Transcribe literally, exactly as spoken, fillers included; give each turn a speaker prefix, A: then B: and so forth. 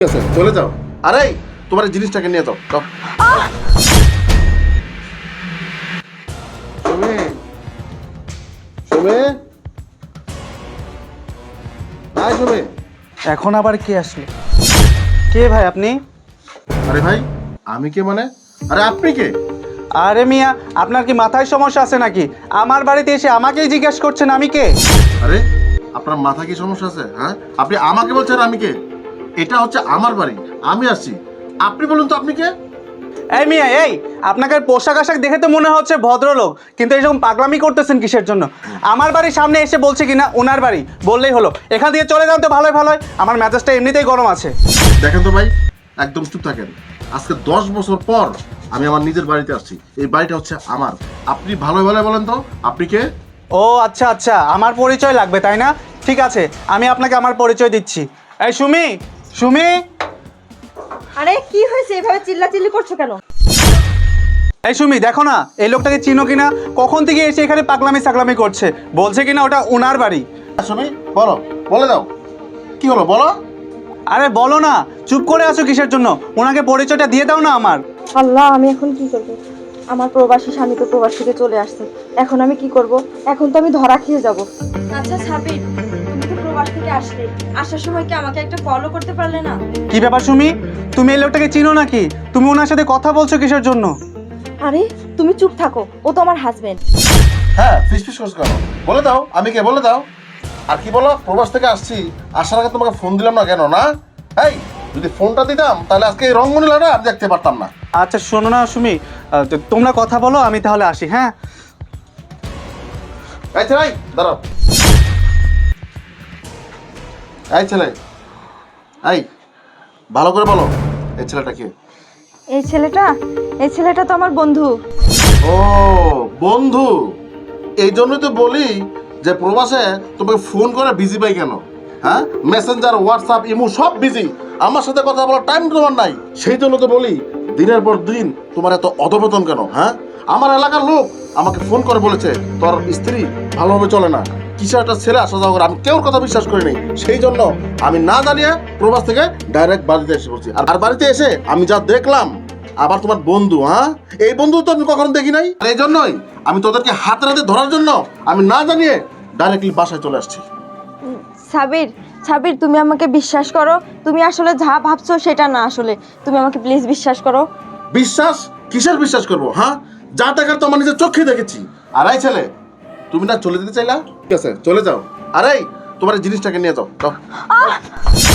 A: ঠিক আছে চলে যাও। আরে তোমার এই জিনিসটাকে নিয়ে যাও যাও। সুমি সুমি হাই সুমি।
B: এখন আবার কে আসলো? কে ভাই আপনি?
A: আরে ভাই আমি কে মানে? আরে আপনি কে?
B: আরে মিয়া, আপনার কি মাথায় সমস্যা আছে নাকি? আমার বাড়িতে এসে আমাকেই জিজ্ঞেস করছেন আমি কে?
A: আরে আপনার মাথা কি সমস্যা আছে? হ্যাঁ আপনি আমাকে বলছেন আমি কে? এটা হচ্ছে আমার বাড়ি, আমি আসছি। আপনি বলুন তো আপনি কে?
B: এই মিয়া এই, আপনাকে পোশাক আশাক দেখে তো মনে হচ্ছে ভদ্রলোক, কিন্তু এইরকম পাগলামি করতেছেন কিসের জন্য? আমার বাড়ির সামনে এসে বলছে কিনা ওনার বাড়ি, বললেই হলো। এখান থেকে চলে যান তো ভালোই ভালোই, আমার মেজাজটা এমনিতেই গরম আছে।
A: দেখেন তো ভাই, একদম চুপ থাকেন। আজকে দশ বছর পর আমি আমার নিজের বাড়িতে আসছি। এই বাড়িটা হচ্ছে আমার। আপনি ভালো ভালো বলেন তো আপনি কে?
B: ও আচ্ছা আচ্ছা, আমার পরিচয় লাগবে তাই না? ঠিক আছে, আমি আপনাকে আমার পরিচয় দিচ্ছি। এই সুমি, সুমি।
C: আরে কি হয়েছে, এভাবে চিল্লাচিল্লি করছো কেন?
B: এই সুমি দেখো না, এই লোকটাকে চিনো কিনা? কখন থেকে এসে এখানে পাগলামি সাগলামি করছে, বলছে কিনা ওটা ওনার বাড়ি।
A: সুমি বলো, বলে দাও কি হলো বলো।
B: আরে বলো না, চুপ করে আছো কিসের জন্য? ওনাকে পরিচয়টা দিয়ে দাও না আমার।
C: আল্লাহ, আমি এখন কি করব? আমার প্রবাসী স্বামী তো প্রবাস থেকে চলে আসছে, এখন আমি কি করব? এখন তো আমি ধরা খেয়ে যাব। আচ্ছা সাবির, তুমি তো প্রবাস থেকে আসলে, আসার সময় কি আমাকে একটা কলও করতে পারলে না?
B: কি ব্যাপার সুমি, তুমি এই লোকটাকে চিনো নাকি? তুমি ওনার সাথে কথা বলছো কিসের জন্য?
C: আরে তুমি চুপ থাকো, ও তো আমার হাজবেন্ড।
A: হ্যাঁ ফিস ফিস করছো কেন? বলে দাও আমি কে, বলে দাও। আর কি বলো, প্রবাস থেকে আসছি, আসার আগে তোমাকে ফোন দিলাম না কেন? না এই, যদি ফোনটা দিতাম তাহলে আজকে এই রঙ্গনীলাটা আমি দেখতে পারতাম না।
B: আচ্ছা শোনো না সুমি, আহ, তো তোমরা কথা বলো, আমি তাহলে আসি। হ্যাঁ
A: এই ছেলে এই, দাঁড়াও। এই ছেলে এই, ভালো করে বলো এই ছেলেটা কে?
C: এই ছেলেটা, এই ছেলেটা তো আমার বন্ধু।
A: ও বন্ধু, এই জন্যই তো বলি যে প্রবাসে তোমাকে ফোন করে বিজি পাই কেন? হ্যাঁ মেসেঞ্জার, হোয়াটসঅ্যাপ, ইমো সব বিজি, আমার সাথে কথা বলার টাইম তোমার নাই। সেই জন্য তো বলি দিনের পর দিন তোমার এত অধপতন কেন? হ্যাঁ আমার এলাকার লোক আমাকে ফোন করে বলেছে তোর স্ত্রী ভালোভাবে চলে না, কিসে একটা ছেলে আসা যাওয়া করে। আমি কেউর কথা বিশ্বাস করিনি, সেই জন্য আমি না জানিয়ে প্রবাস থেকে ডাইরেক্ট বাড়িতে এসে পড়ছি। আর বাড়িতে এসে আমি যা দেখলাম, আবার তোমার বন্ধু, হ্যাঁ এই বন্ধু তো আমি কখনো দেখি নাই। আর এই জন্যই আমি তোদেরকে হাতে হাতে ধরার জন্য আমি না জানিয়ে ডাইরেক্টলি বাসায় চলে আসছি।
C: সাবির, সাবির তুমি আমাকে বিশ্বাস করো, তুমি আসলে যা ভাবছো সেটা না, আসলে তুমি আমাকে প্লিজ বিশ্বাস করো।
A: বিশ্বাস? কিসের বিশ্বাস করবো? হ্যাঁ যা দেখার তো আমার নিজের চোখে দেখেছি। আর এই ছেলে, তুমি না চলে যেতে চাইলা? ঠিক আছে চলে যাও। আরে তোমার এই জিনিসটাকে নিয়ে যাও যাও।